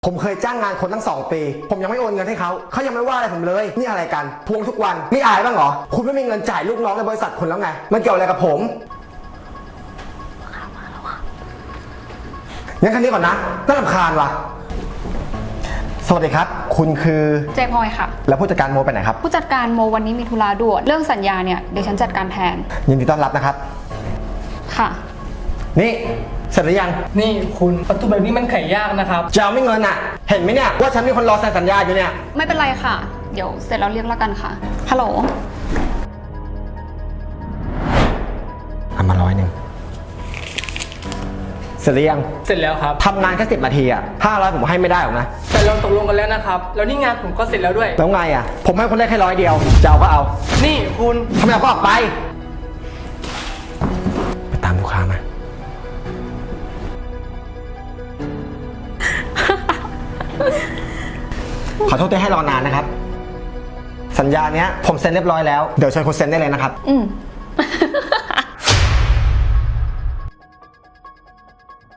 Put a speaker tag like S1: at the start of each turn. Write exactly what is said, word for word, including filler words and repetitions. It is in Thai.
S1: ผมเคยจ้างงานคนตั้งสองปีผมยังไม่โอนเงินให้เขาเขายังไม่ว่าอะไรผมเลยนี่อะไรกันทวงทุกวันไม่อายบ้างเหรอคุณไม่มีเงินจ่ายลูกน้องในบริษัทคุณแล้วไงมันเกี่ยวอะไรกับผมงั้นคันนี้ก่อนนะน่ารำคาญว่ะสวัสดีครับคุณคือ
S2: เจพลอยค่ะ
S1: แล้วผู้จัดการโมไปไหนครับ
S2: ผู้จัดการโมวันนี้มีธุระด่วนเรื่องสัญญาเนี่ยเดี๋ยวฉันจัดการแทน
S1: ยินดีต้อนรับนะครับ
S2: ค่ะ
S1: นี่เสร็จหรือยัง
S3: นี่คุณประตูแบบนี้มันไขยากนะครับ
S1: จะเอาไม่เงินอ่ะเห็นไหมเนี่ยว่าฉันมีคนรอเซ็นสัญญาอยู่เนี่ย
S2: ไม่เป็นไรค่ะเดี๋ยวเสร็จแล้วเรียกแล้วกันค่ะฮัลโหล
S1: เอามาร้อยหนึ่งเสร็จหรือยัง
S3: เสร็จแล้วครับ
S1: ทำงานแค่สิบนาทีอ่ะห้าร้อยผมให้ไม่ได้หรอกนะ
S3: แต่เราตกลงกันแล้วนะครับแล้วนี่งานผมก็เสร็จแล้วด้วย
S1: แล้วไงอ่ะผมให้คนได้แค่ร้อยเดียวจะเอาก็เอา
S3: นี่คุณ
S1: ทำไมเอาก็ออกไปไปตามลูกค้ามาขอโทษที่ให้รอนานนะครับสัญญาเนี้ยผมเซ็นเรียบร้อยแล้วเดี๋ยวเชิญคุณเซ็นได้เลยนะครับ
S2: อืม